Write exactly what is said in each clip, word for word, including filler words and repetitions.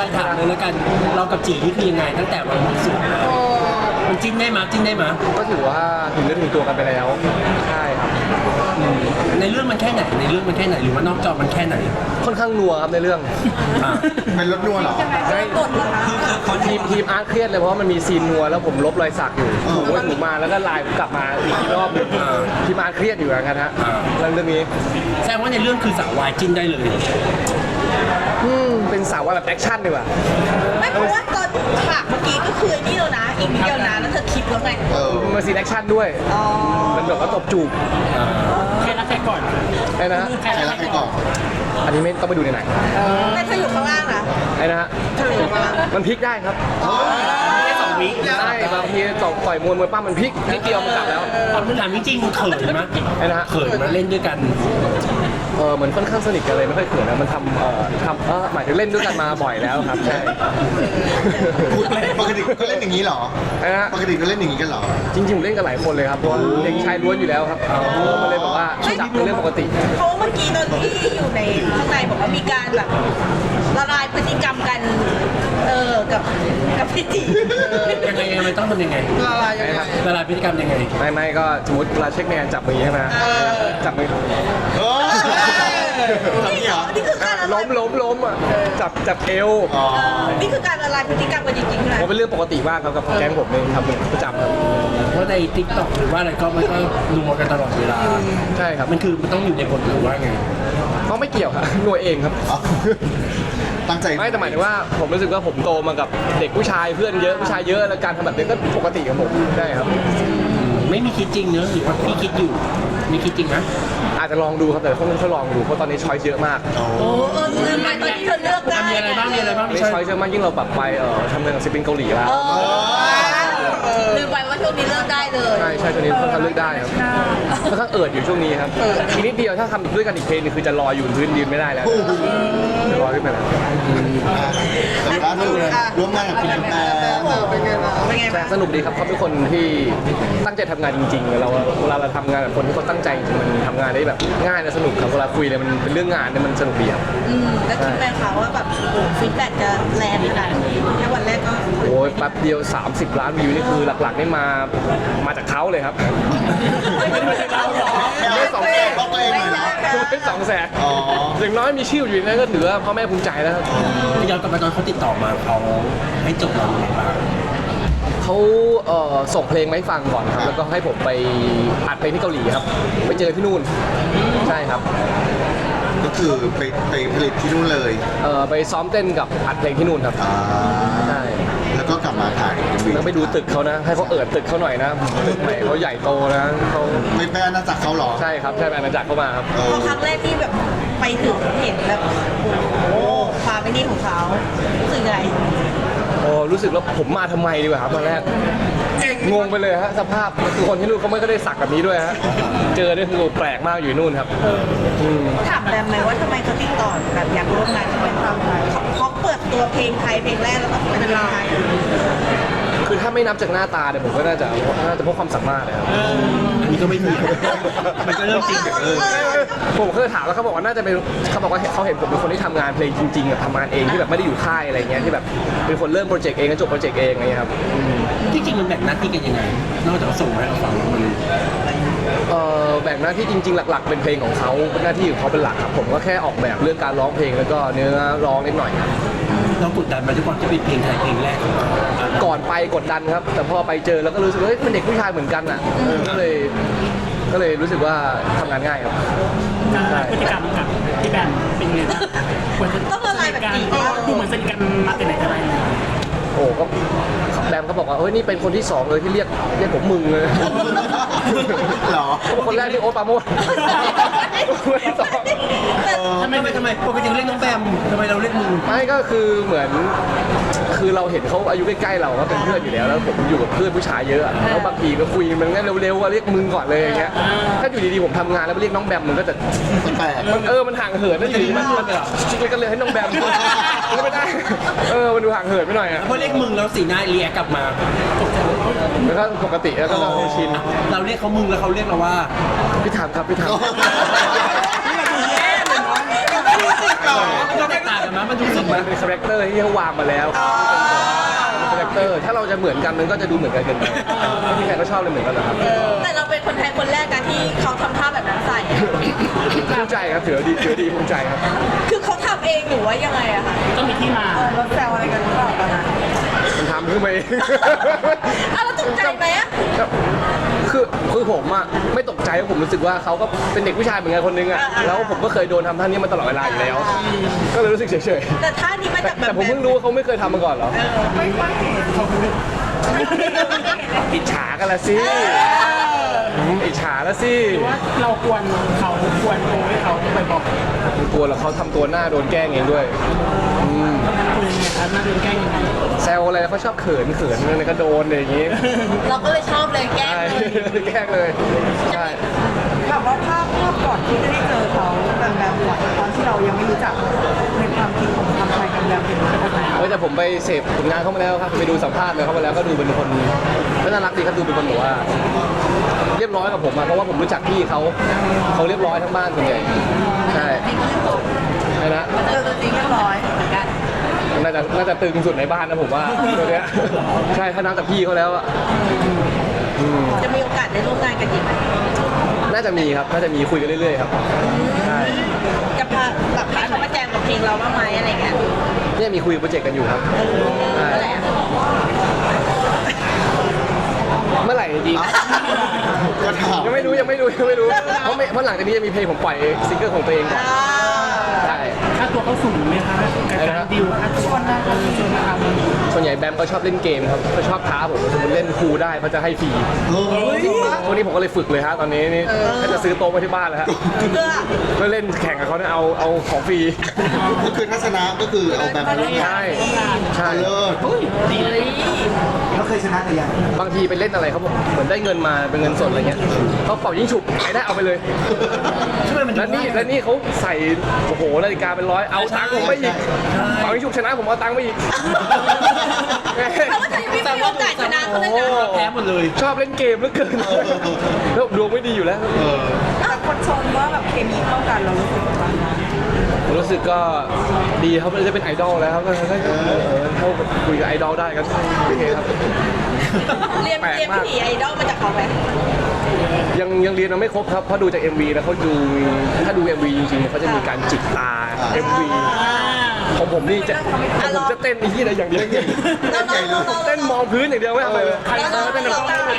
ถามเลยแล้วกันเรากับจีนี่คือยังไงตั้งแต่วันบวงสรวงมามันจิ้นได้มาจิ้นได้มาก็ถือว่าถึงเรื่องถึงตัวกันไปแล้วใช่ครับในเรื่องมันแค่ไหนในเรื่องมันแค่ไหนหรือว่านอกจอมันแค่ไหนค่อนข้างนัวครับในเรื่องอ่าเป็นรถนัวเหรอไม่ทีมทีมอาร์ตเครียดเลยเพราะว่ามันมีซีนนัวแล้วผมลบรอยสักอยู่ถูไปถูมาแล้วก็ไลน์ผมกลับมาอีกรอบหนึงทีมอาร์ตเครียดอยู่นะครับฮะเรื่องเรื่องนี้แสดงว่าในเรื่องคือสาววายจิ้นได้เลยอืมเป็นสาวว่าแบบแอคชั่นดีกว่าไม่เพราะว่าตอนฉากเมื่อกี้ก็คือนี่แล้วนะอีกนิดเดียวนะแล้วเธอคิดแล้วไงเออมันซีนแอคชั่นด้วยอ๋อมันแบบว่าตบจูบใครรักใครก่อนไอ้นะฮะใครใครรัรักกใคใครรก่ก่ออน นอันนี้ไม่ต้องไปดูในไหนแต่เธออยู่ข้างล่างนะไอ้นะฮะเธออยู่ข้างล่างมันพลิกได้ครับแค่สองวิใช่บางทีต่อต่อยมวยมวยปั้มมันพลิกนิดเดียวมันกลับแล้วตอนถามจริงๆเขินไหมไอ้นะฮะเขินมาเล่นด้วยกันเออเหมือนค่อนข้างสนิทกันเลยไม่ค่อยเขินนะมันทำเอ่อทำเออหมายถึงเล่นด้วยกันมาบ่อยแล้วครับใช่พูดปกติก็เล่นอย่างนี้เหรอไอ้นะฮะปกติก็เล่นอย่างนี้กันเหรอจริงๆผมเล่นกันหลายคนเลยครับเพราะว่าเด็กชายล้วนอยู่แล้วครับมันเลยบอกว่าจับเป็นเรื่องปกติเพราะว่าเมื่อกี้ตอนที่อยู่ในข้างในบอกว่ามีการแบบละลายพฤติกรรมกันเออกับกับพี่จียังไงยังไงมันต้องทำยังไงละลายยังไงละลายพฤติกรรมยังไงไม่ไม่ก็สมมติเวลาเช็คแมนจับมือใช่ไหมจับมือเออทำนี่เหรอนี่คือการละลาล้ยมล้มล้มอ่ะจับจับเอวอ๋อเออนี่คือการละลายพฤติกรรมกันจริงๆใช่ไหมผมเป็นเรื่องปกติมากครับกับแก๊งผมเองทำเป็นประจำครับเพราะในทิกตอกหรือว่าอะไรก็มันก็นัวกันตลอดเวลาใช่ครับมันคือมันต้องอยู่ในบทหรือว่าไงเขาไม่เกี่ยวครับหน่วยเองครับอ๋อตั้งใจไม่แต่หมายถึงว่าผมรู้สึกว่าผมโตมากับเด็กผู้ชายเพื่อนเยอะผู้ชายเยอะแล้วการทำแบบนี้ก็ปกติของผมใช่ครับไม่มีคิดจริงเนอะหรือว่าพี่คิดอยู่มีคิดจริงไหมอาจจะลองดูครับแต่ต้องค่อยลองดูเพราะตอนนี้ช้อยเยอะมากโอ้โอ้เออลืมไปตอนที่เธอเลือกได้มีอะไรบ้างมีอะไรบ้างมีพี่ชาช้อยยเยอะมากยิ่งเราปรับไปเออทำงานกับศิลปินเกาหลีแล้วเออลืมไปว่าช่วงนี้เลือกได้เลยใช่ใช่ตัวนี้ค่อนข้างเลือกได้ครับค่อนข้างเอิดอยู่ช่วงนี้ครับอีกนิดเดียวถ้าทำด้วยกันอีกเพลงนึงคือจะลอยอยู่บนพื้นยืนไม่ได้แล้วจะลอยขึ้นไปแล้วแต่ล่าสุดร่วมงานกับคุณแม่เป็นไงบ้างเป็นไงแต่บ้างสนุกดีครับเขาเป็นคนที่ตั้งใจทำงานจริงๆเราเวลาเราทำงานกับคนที่เขาตั้งใจจริงมันทำงานได้แบบง่ายและสนุกครับเวลาคุยเนี่ยมันเป็นเรื่องงานเนี่ยมันสนุกดีครับอืมแล้วคิดไหมคะว่าแบบโอ้ฟีดแบ็กจะแรงขนาดนี้แค่วันแรกก็โอ้ยแป๊บเดียว สามสิบ ล้านวิวนี่คือหลักๆนี่มามาจากเขาเลยครับไม่สองแสนบอกตัวเองเลยเหรอไม่สองแสนอ๋ออย่างน้อยมีชื่ออยู่ในนั้นก็ถือว่าพ่อแม่ภูมิใจแล้วครับย้อนกลับมาตอนเขาติดต่อมาเขาให้จบเราอย่างไรบ้างเขาเอ่อส่งเพลงมาให้ฟังก่อนครับ แล้วก็ให้ผมไปอัดเพลงที่เกาหลีครับ ไปเจอที่นู่น ใช่ครับก็คือไปไปผลิตที่นู่นเลยเอ่อไปซ้อมเต้นกับอัดเพลงที่นู่นครับอ่าใช่แล้วก็กลับมาถ่ายแล้วไปดูตึกเขานะ ให้เขาเอิดตึกเขาหน่อยนะ ตึกใหม่เขาใหญ่โตนะเขาไม่ไปอาณาจักรเขาเหรอใช่ครับ ใช่ไปอาณาจักรเข้ามาครับเอพออครั้งแรกที่แบบไปถึงเห็นแบบโอ้โหความเป็นนี่ของเขารู้สึกยังไงโอ้รู้สึกแล้วผมมาทำไมดีกว่าครับตอนแรกงงไปเลยฮะสภาพคือคนที่นู่นเขาไม่ก็ได้สักแบบนี้ด้วยฮะเจอเนี่ยคือแปลกมากอยู่นู่นครับมถามแบมไหมว่าทำไมเขาติดต่อแบบอยากร่วมงานทำไมเขาเขาเปิดตัวเพลงไทยเพลงแรกแล้วก็เป็นเพลงไทยคือถ้าไม่นับจากหน้าตาเนี่ยผมก็น่าจะน่าจะเพราะความสามารถนะครับอันนี้ก็ไม่มีมันก็เรื่องจริงเออผมเคยถามแล้วเขาบอกว่าน่าจะเป็นเขาบอกว่าเขาเห็นผมเป็นคนที่ทำงานเพลงจริงๆแบบทำงานเองที่แบบไม่ได้อยู่ค่ายอะไรเงี้ยที่แบบเป็นคนเริ่มโปรเจกต์เองแล้วจบโปรเจกต์เองอะไรเงี้ยครับที่จริงมันแบ่งหน้าที่กันยังไง นอกจากส่งมาให้เราฟังแล้วมันเอ่อแบ่งหน้าที่จริงๆหลัก ๆ เป็นเพลงของเขาเป็นหน้าที่ของเขาเป็นหลักครับผมก็แค่ออกแบบเรื่องการร้องเพลงแล้วก็เนื้อร้องนิดหน่อยครับเรากดดันมาทุกคนที่เป็นเพลงไทยเพลงแรกของเราก่อนไปกดดันครับ แต่พอไปเจอแล้วก็รู้สึกว่าเฮ้ยมันเด็กผู้ชายเหมือนกันอ่ะเออก็เลยก็เลยรู้สึกว่าทำงานง่ายครับการพฤติกรรมกับพี่แบมเป็นไงบ้างเหมือนต้องละลายแบบนี้เออดูเหมือนสนิทกันมาแต่ไหนแต่ไรเลยโอ้ก็แบมก็บอกว่าเฮ้ยนี่เป็นคนที่สองเลยที่เรียกเรียกผมมึงเลยเหรอคนแรกที่โอ๊ตปราโมชคนที่สองทำไมทำไมปกติเรียกน้องแบมทำไมเราเรียกมึงไม่ก็คือเหมือนคือเราเห็นเขาอายุใกล้ๆเราก็เป็นเพื่อนอยู่แล้วแล้วผมอยู่กับเพื่อนผู้ชายเยอะอะแล้วบางทีก็คุยมันง่ายเร็วๆอะเรียกมึงก่อนเลยอย่างเงี้ยถ้าอยู่ดีๆผมทำงานแล้วไปเรียกน้องแบมมันก็จะแปลกมันเออมันห่างเหินนะอยู่ดีมันมันก็เลยให้น้องแบมก็ไม่ได้เออมันดูห่างเหินไปหน่อยอะเพราะเรียกมึงแล้วสีหน้าเรียกกลับมาแล้วก็ปกติแล้วก็ชินเราเรียกเขามึงแล้วเขาเรียกเราว่าพี่ถามครับพี่ถามๆต่อมันก็แตกต่างกันมั้ยมันรู้สึกมัมั้นยเป็นคาแรคเตอร์ที่เขาวางมาแล้วคาแรคเตอร์ถ้าเราจะเหมือนกันมันก็จะดูเหมือนกันเกินไปไม่มีใครก็ชอบเลยเหมือนกันหรอกครับแต่เราเป็นคนไทยคนแรกนะที่เขาทำท่าแบบนั้นใส่ภูมิใจครับถือว่าดีถือว่าดีภูมิใจครับคือเขาทำเองหรือว่ายังไงอะคะก็มีที่มารถแซวอะไรกันหรือเปล่าตอนนั้นมันทำขึ้นมาเองอ้าวแล้วตกใจไหมอะคือคือผมอะไม่ตกใจเพราะผมรู้สึกว่าเขาก็เป็นเด็กผู้ชายเหมือนกันคนนึงอะแล้วผมก็เคยโดนทำท่านี้มาตลอดเวลาอยู่แล้ว ก็เลยรู้สึกเฉยแต่ท่านี้มาๆแต่จากแบบแต่ผมเพิ่งรู้ว่าเขาไม่เคยทำมาก่อนเหรอไม่ค่อยเห็นอิจฉากันละสิอืมอิจฉาละสิว่าเราควรเขาควรโทรให้เขาไปบอกกลัวแล้วเขาทำตัวหน้าโดนแกล้งเองด้วยอืมคุยยังไงครับน่าจะแกล้งยังไงแซวอะไรเขาชอบเขินเขินอะไรก็โดนอะไรอย่างงี้เราก็เลยชอบเลยแกล้งใช่เลยแกล้งเลยใช่แบบว่าภาพภาพก่อนที่จะได้เจอเขาแบบแบบก่อนตอนที่เรายังไม่รู้จักในความคิดของทำไทยกันแบบเป็นยังไงเฮ้ยแต่ผมไปเสพผลงานเขามาแล้วครับไปดูสัมภาษณ์เลยเขามาแล้วก็ดูเป็นคนก็น่ารักดีครับดูเป็นคนแบบว่า เรียบร้อยกับผมอะเพราะว่าผมรู้จักพี่เขาเขาเรียบร้อยทั้งบ้านส่วนใหญ่ใช่ใช่นะเจอตัวจริงเรียบร้อยเหมือนกันน่าจะน่าจะตึงสุดในบ้านนะผมว่าตัวเนี้ยใช่ถ้านับจากพี่เขาแล้วอะอืมจะมีโอกาสได้ร่วมงานกันอีกไหมน่าจะมีครับน่าจะมีคุยกันเรื่อยๆครับใช่จะพาแบบพาเขามาแจมกับเพลงเราบ้างไหมอะไรเงี้ยเนี่ยมีคุยโปรเจกต์กันอยู่ครับใช่เมื่อไหร่อะเมื่อไหร่จริงก็ถามยังไม่รู้ยังไม่รู้ยังไม่รู้เพราะไม่เพราะหลังจากนี้จะมีเพลงผมปล่อยซิงเกิลของตัวเองก่อนอ่าใช่ค่าตัวเขาสูงไหมคะการดิวค่าตัวนะชวนนะครับส่วนใหญ่แบมก็ชอบเล่นเกมครับเขาชอบท้าผมสมมติเล่นคูลได้เขาจะให้ฟรีเฮ้ยวันนี้ผมก็เลยฝึกเลยฮะตอนนี้นี่ถ้าจะซื้อโต๊ะมาที่บ้านแล้วฮะเพื่อเพื่อเล่นแข่งกับเขาเนี่ยเอาเอาของฟรีก็คือทัศนะก็คือเอาแบบนี้ใช่ใช่เลิศเขาเคยชนะแต่ยังบางทีไปเล่นอะไรเขาบอกเหมือนได้เงินมาเป็นเงินสดอะไรเงี้ยเขาเป่ายิงฉุบใครได้เอาไปเลยช่วยมันดูแล้วนี่แล้วนี่เขาใส่โอ้โหนาฬิกาเป็นร้อยเอาตังค์ผมไปอีกเป่ายิงฉุบชนะผมเอาตังค์ไปอีกเขาก็จะไม่มีโอกาสชนะเขาเลยโอ้นะแพ้หมดเลยชอบเล่นเกมเหลือเกินแล้วดวงไม่ดีอยู่แล้วเออแต่คนชมว่าแบบเคมีเข้ากันเรารู้สึกว่าผมรู้สึกก็ดีครับจะเป็นไอดอลแล้วครับก็ถ้าเขาคุยกับไอดอลได้ก็โอเคครับเรียนเรียนวิถีไอดอลมาจากเขาไหมยังยังเรียนมาไม่ครบครับเพราะดูจาก เอ็ม วี แล้วเขาดูถ้าดู เอ็ม วี จริงๆเขาจะมีการจิกตา เอ็ม วี ของผมนี่จะของผมจะเต้นไอ้ที่อะไรอย่างเดียวเราเราเราเราเต้นมองพื้นอย่างเดียวไม่ทำอะไรเลยเราเราเต้นแบบเรา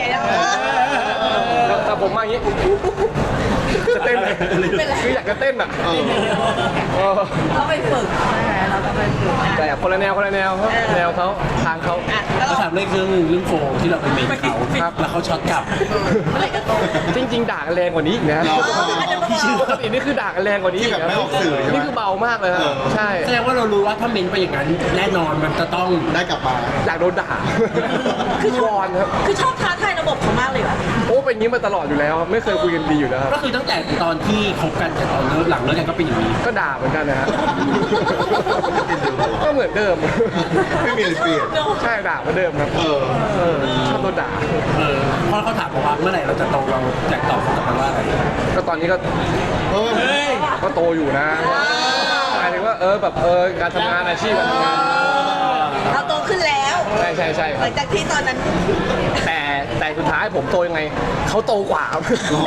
เราแต่ผมมาอย่างนี้จะเต้นเลยคืออยากจะเต้นอ่ะเออเออเราไปฝึกใช่ไหมเราจะไปฝึกแต่คนละแนวคนละแนวครับแนวเขาทางเขาอ่ะแล้วก็เราถามเรื่องเรื่องเรื่องโฟมที่เราไปเมนเขาครับแล้วเขาช็อตกลับเมื่อไหร่จะโตจริงๆด่ากันแรงกว่านี้อีกนะเหรอปกตินี่คือด่ากันแรงกว่านี้ที่แบบไม่ออกสื่อใช่ไหมนี่คือเบามากเลยครับเออใช่แสดงว่าเรารู้ว่าถ้าเมนไปอย่างนั้นแน่นอนมันจะต้องได้กลับมาอยากโดนด่าคือวอนครับคือชอบท้าทายระบบเขามากเลยว่ะโอ้เป็นอย่างนี้มาตลอดอยู่แล้ว ไม่เคยคุยกันดีอยู่แล้วครับก็คือตั้งแต่ตอนที่คบกันแต่ตอนเลิกหลังเลิกกันก็เป็นอย่างนี้ก็ด่าเหมือนกันนะฮะก็เหมือนเดิมไม่มีอะไรเปลี่ยนใช่ด่าเหมือนเดิมครับเออเออชอบโดนด่าเออพอเขาถามผมว่าเมื่อไหร่เราจะโตเราอยากตอบเขากลับมาว่าอะไรก็ตอนนี้ก็เออก็โตอยู่นะหมายถึงว่าเออแบบเออการทำงานอาชีพการทำงานเราโตขึ้นแล้วใช่ใช่ใช่คหรัลับงจากที่ตอนนั้นแต่แต่สุดท้ายผมโตยังไงเขาโตกว่าครับ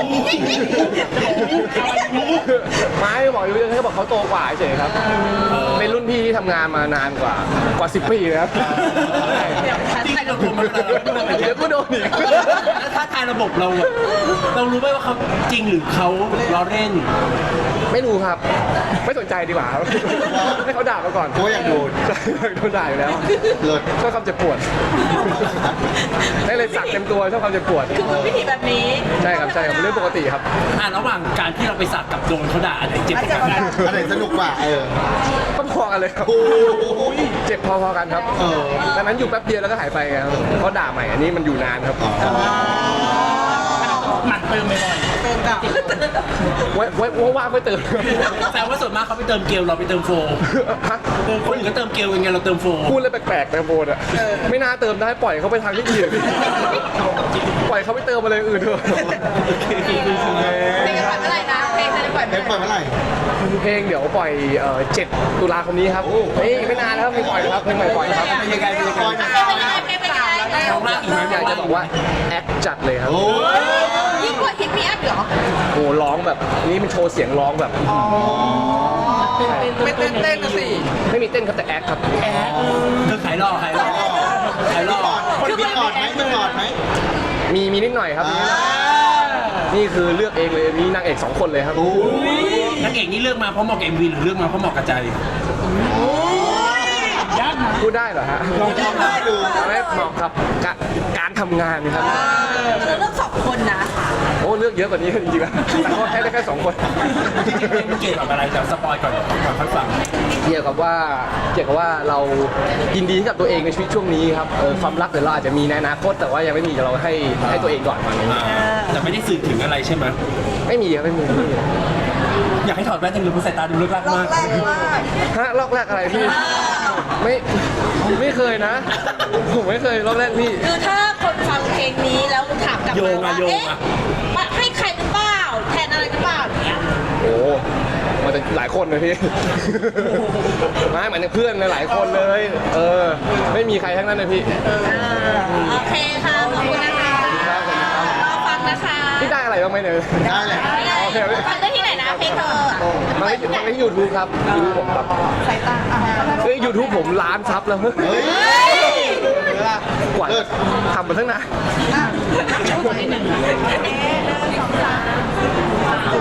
ไม่บอกอยู่แค่บอกเขาโตกว่าเฉยๆครับเป็นรุ่นพี่ที่ทำงานมานานกว่ากว่าสิบปีเลยครับจริงเราโตมาขนาดนั้นเดี๋ยวก็โดนอีกแล้วถ้าทายระบบเราอะเรารู้ไหมว่าเขาจริงหรือเขาล้อเล่นไม่รู้ครับ ไม่สนใจดีกว่าครับให้เขาด่ามาก่อนเพราะว่าอยากโดนใช่โดนด่าอยู่แล้วเลิศชอบความเจ็บปวดได้เลยสักเต็มตัวชอบความเจ็บปวดคือมันวิถีแบบนี้ใช่ครับใช่ครับเป็นเรื่องปกติครับอ่ะระหว่างการที่เราไปสักกับโดนเขาด่าอะไรเจ็บกว่ากันอันไหนสนุกกว่า เออก็พอกันเลยครับโอ้ยเจ็บพอๆกันครับเออดังนั้นอยู่แป๊บเดียวแล้วก็หายไปไงครับเขาด่าใหม่อันนี้มันอยู่นานครับหมั่นเติมบ่อยเติมกลับไว้ไว้ว่างๆค่อยเติมแต่ว่าส่วนมากเขาไปเติมเกลเราไปเติมโฟมฮะคนอื่นก็เติมเกลยังไงเราเติมโฟมพูดเลยแปลกๆนะโบนอ่ะไม่น่าเติมได้ปล่อยเขาไปทางที่อื่นปล่อยเขาไปเติมอะไรอื่นเถอะเพลงจะปล่อยเมื่อไหร่นะเพลงจะปล่อยเพลงเปิดเมื่อไหร่เพลงเดี๋ยวปล่อยเอ่อเจ็ดตุลาคมนี้ครับเฮ้ยไม่นานแล้วครับเพลงปล่อยแล้วครับเพลงใหม่ปล่อยแล้วครับเป็นยังไงเป็นยังไงเป็นยังไงเป็นยังไงเอามากอีกไหมอยากจะบอกว่าแอคจัดเลยครับโอ้ยยิ่งกว่าฮิตมีแอปเหรอโอ้ร้องแบบนี่มันโชว์เสียงร้องแบบไม่เต้นเต้นนะสิไม่มีเต้นครับแต่แอคครับเธอขายหล่อขายหล่อขายหล่อคนมีกอดไหมมีกอดไหมมีมีนิดหน่อยครับมีนิดหน่อยนี่คือเลือกเองเลยมีนางเอกสองคนเลยครับนางเอกนี่เลือกมาเพราะเหมาะกับเอ็มวีหรือเลือกมาเพราะเหมาะกับใจยากนะพูดได้เหรอฮะลองทำได้ดูไม่เหมาะกับกะการทำงานครับเราเลือกสองคนนะโอ้เลือกเยอะกว่านี้จริงๆแล้วแต่ก็แค่ได้แค่สองคนจริงๆเพลงมันเกี่ยวกับอะไรเดี๋ยวสปอยก่อนก่อนค่อยฟังเกี่ยวกับว่าเกี่ยวกับว่าเรายินดีกับตัวเองในชีวิตช่วงนี้ครับเออความรักเดี๋ยวเราอาจจะมีในอนาคตแต่ว่ายังไม่มีเราให้ให้ตัวเองก่อนตอนนี้แต่ไม่ได้สื่อถึงอะไรใช่ไหมไม่มีครับไม่มีไม่มีอยากให้ถอดแว่นจังเลยเพราะสายตาดูเลิกลักมากฮะลอกแรกอะไรพี่ไม่ไม่เคยนะ ผมไม่เคยลอกแรกพี่คือถ้าคนฟังเพลงนี้แล้วถามกลับโยมางอะว่าโยงเอ๊ะอะมาให้ใครหรือเปล่าแทนอะไรหรือเปล่าอย่างเงี้ยโอ้มันจะหลายคนเลยพี่ ไม่เหมือนเพื่อนหลายๆคนเลย เออ ไม่มีใครทั้งนั้นเลยพี่โอเคค่ะขอบคุณนะคะครับผมครับรอฟังนะคะพี่ได้อะไรบ้างไหมเนี่ยได้แหละโอเคฟังได้ที่ไหนนะเพลงเธออะมันไม่มันไม่ยูทูบครับยูทูบผมครับสายตาอ่ะเฮ้ยยูทูบผมล้านซับแล้วเฮ้ยกว่าทำมาตั้งนานอ่ะ